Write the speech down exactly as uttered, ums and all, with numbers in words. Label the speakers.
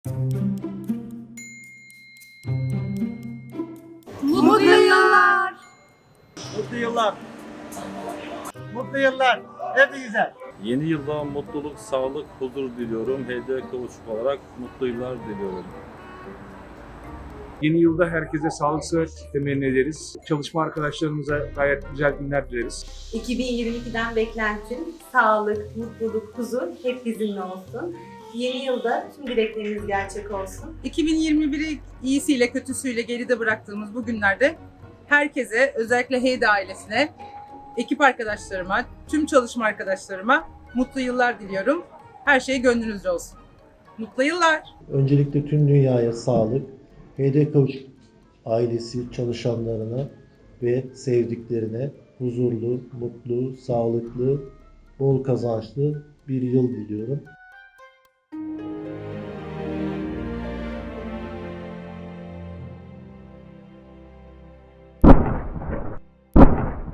Speaker 1: Mutlu yıllar.
Speaker 2: Mutlu yıllar. Mutlu yıllar. Hepinize.
Speaker 3: Yeni yılda mutluluk, sağlık, huzur diliyorum. Hediye kavuşuk olarak mutlu yıllar diliyorum.
Speaker 4: Yeni yılda herkese sağlık, sıhhat temenni ederiz. Çalışma arkadaşlarımıza gayet güzel günler dileriz.
Speaker 1: iki bin yirmi ikiden beklentim sağlık, mutluluk, huzur hep bizimle olsun. Yeni yılda tüm dileklerimiz gerçek olsun.
Speaker 5: iki bin yirmi biri iyisiyle kötüsüyle geride bıraktığımız bu günlerde herkese, özellikle Heyda ailesine, ekip arkadaşlarıma, tüm çalışma arkadaşlarıma mutlu yıllar diliyorum. Her şey gönlünüzce olsun. Mutlu yıllar.
Speaker 6: Öncelikle tüm dünyaya sağlık, H D Kavuşuk ailesi çalışanlarına ve sevdiklerine huzurlu, mutlu, sağlıklı, bol kazançlı bir yıl diliyorum.